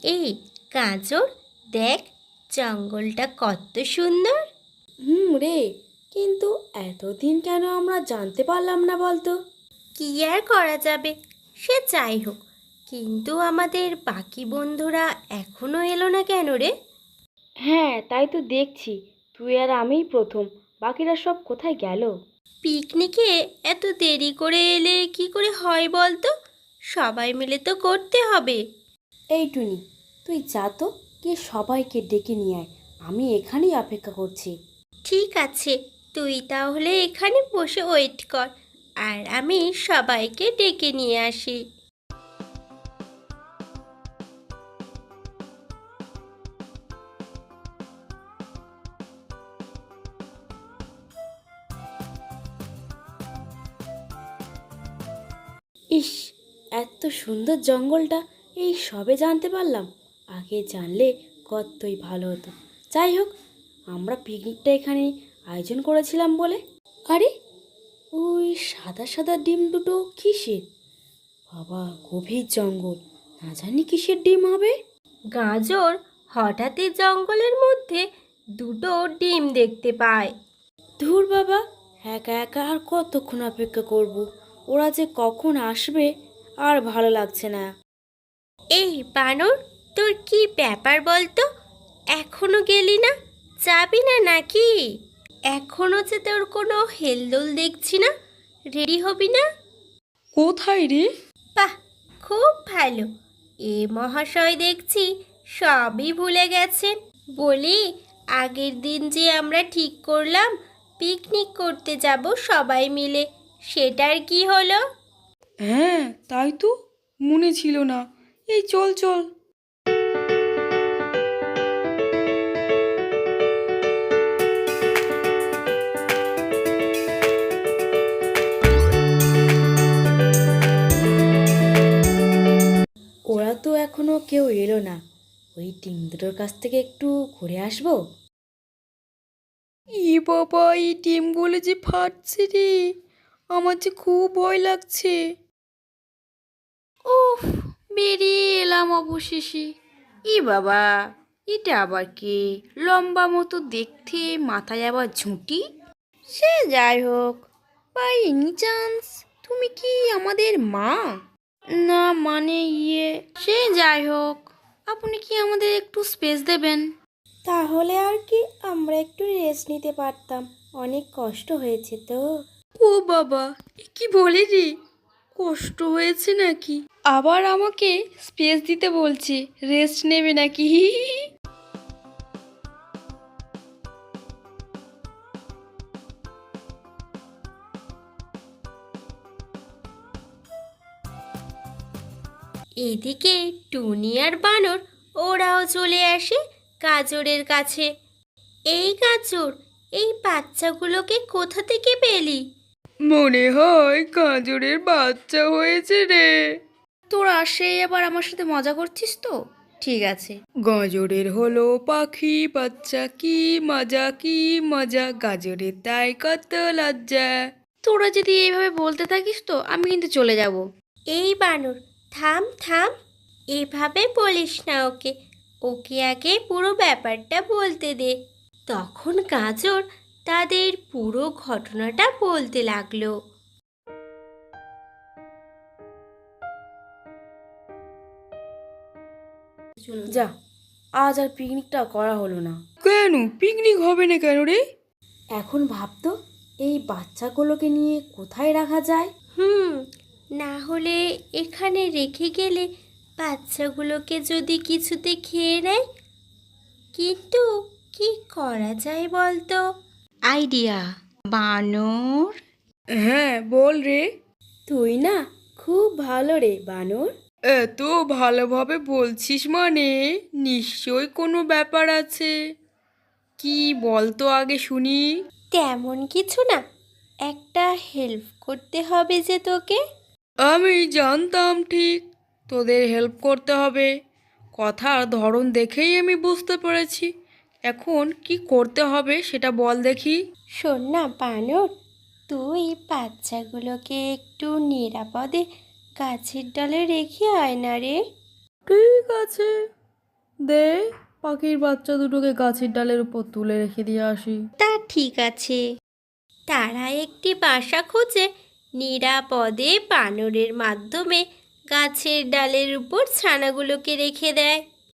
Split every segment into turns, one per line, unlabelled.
এই গাজর, দেখ জঙ্গলটা কত সুন্দর।
রে, কিন্তু এতদিন কেন আমরা জানতে পারলাম না বলতো?
কি আর করা যাবে, সে যাই হোক, কিন্তু আমাদের বাকি বন্ধুরা এখনো এলো না কেন রে?
হ্যাঁ, তাই তো দেখছি। তুই আর আমিই প্রথম। বাকিরা সব কোথায় গেল?
পিকনিকে এত দেরি করে এলে কি করে হয় বলতো? সবাই মিলে তো করতে হবে।
এই টুনি, তুই যা তো, গিয়ে সবাইকে ডেকে নিয়ে আয়। আমি এখানেই অপেক্ষা করছি।
ঠিক আছে, তুই তাহলে এখানে বসে ওয়েট কর, আর আমি সবাইকে ডেকে নিয়ে আসি।
ইস, এত সুন্দর জঙ্গলটা এই সবে জানতে পারলাম। আগে জানলে কতই ভালো হতো। যাই হোক, আমরা পিকনিকটা এখানে আয়োজন করেছিলাম বলে। আরে, ওই সাদা সাদা ডিম দুটো কিসের? বাবা, গভীর জঙ্গল, না জানি কিসের ডিম হবে।
গাজর হঠাৎই জঙ্গলের মধ্যে দুটো ডিম দেখতে পায়।
ধুর বাবা, একা একা আর কতক্ষণ অপেক্ষা করব? ওরা যে কখন আসবে আর ভালো লাগছে না।
এই বানর, তোর কি ব্যাপার বলতো? এখনো গেলি না? যাবি না নাকি? এখনো যে তোর কোনো হেলদোল দেখছি না, রেডি হবি না?
কোথায় রে?
বাহ, খুব ভালো। এ মহাশয় দেখছি সবই ভুলে গেছেন। বলি, আগের দিন যে আমরা ঠিক করলাম পিকনিক করতে যাব সবাই মিলে, সেটার কি হলো?
হ্যাঁ, তাই তো, মনে ছিল না। এই চল চল।
ওরা তো এখনো কেউ এলো না। ওই ডিম দুটোর কাছ থেকে একটু ঘুরে আসবো।
ই বাবা, এই ডিমগুলো যে ফাটছে রে, আমার যে খুব ভয় লাগছে।
উফ, বেরিয়ে এলাম অবশেষে। ই বাবা, এটা আবার কে? লম্বা মতো দেখতে, মাথায় আবার ঝুঁটি। সে যাই হোক, বাই এনি চান্স তুমি কি আমাদের মা? না মানে সে যাই হোক, আপনি কি আমাদের একটু স্পেস দেবেন? তাহলে আর কি, আমরা একটু রেস্ট নিতে পারতাম। অনেক কষ্ট হয়েছে তো।
ও বাবা, এ কি বলে রে? কষ্ট হয়েছে নাকি? আবার আমাকে স্পেস দিতে বলছে, রেস্ট নেবে নাকি?
এদিকে টুনি আর বানর ওরাও চলে আসে গাজরের কাছে। এই গাজর, এই বাচ্চাগুলোকে কোথা থেকে পেলি?
মনে হয় গাজরের বাচ্চা হয়েছে রে।
তোরা সেই আবার আমার সাথে মজা করছিস তো? ঠিক আছে।
গাজরের হলো পাখি বাচ্চা, কি মজা কি মজা, গাজরের তাই কত লজ্জা।
তোরা যদি এইভাবে বলতে থাকিস তো আমি কিন্তু চলে যাব।
এই বানর, থাম থাম, এভাবে বলিস না ওকে। ওকে আগে পুরো ব্যাপারটা বলতে দে। তখন গাজর তাদের পুরো ঘটনাটা বলতে লাগলো।
যা, আজ আর পিকনিকটা করা হলো না।
কেন পিকনিক হবে না কেন রে?
এখন ভাবতো, এই বাচ্চাগুলোকে নিয়ে কোথায় রাখা যায়।
না হলে এখানে রেখে গেলে বাচ্চাগুলোকে যদি কিছুতে খেয়ে নেয়, কিন্তু কি করা যায় বলতো? আইডিয়া, বানর।
হ্যাঁ বল রে।
তুই না খুব ভালো রে বানর।
এত ভালোভাবে বলছিস মানে নিশ্চয় কোনো ব্যাপার আছে। কি বলতো আগে শুনি।
তেমন কিছু না, একটা হেল্প করতে হবে যে তোকে।
আমি জানতাম ঠিক তোদের হেল্প করতে হবে। কথার ধরন দেখেই আমি বুঝতে পেরেছি। এখন কি করতে হবে সেটা বল দেখি।
শোন না বানর, তুই বাচ্চাগুলোকে একটু নিরাপদে গাছের ডালে রেখে আয় না রে।
ঠিক আছে, দে, পাখির বাচ্চা দুটোকে গাছের ডালের উপর তুলে রেখে দিয়ে আসি।
তা ঠিক আছে। তারা একটি বাসা খুঁজে নিরাপদে বানরের মাধ্যমে গাছের ডালের উপর ছানাগুলোকে রেখে দেয়।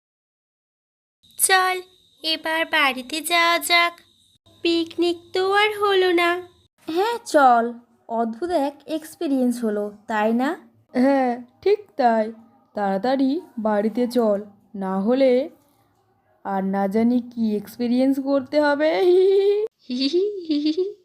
চল এবার বাড়িতে যাওয়া যাক, পিকনিক তো আর হলো না।
হ্যাঁ চল, অদ্ভুত এক এক্সপিরিয়েন্স হলো, তাই না?
হ্যাঁ, ঠিক তাই। তাড়াতাড়ি বাড়িতে চল, না হলে আর না জানি কি এক্সপিরিয়েন্স করতে হবে।
হি হি হি হি হি।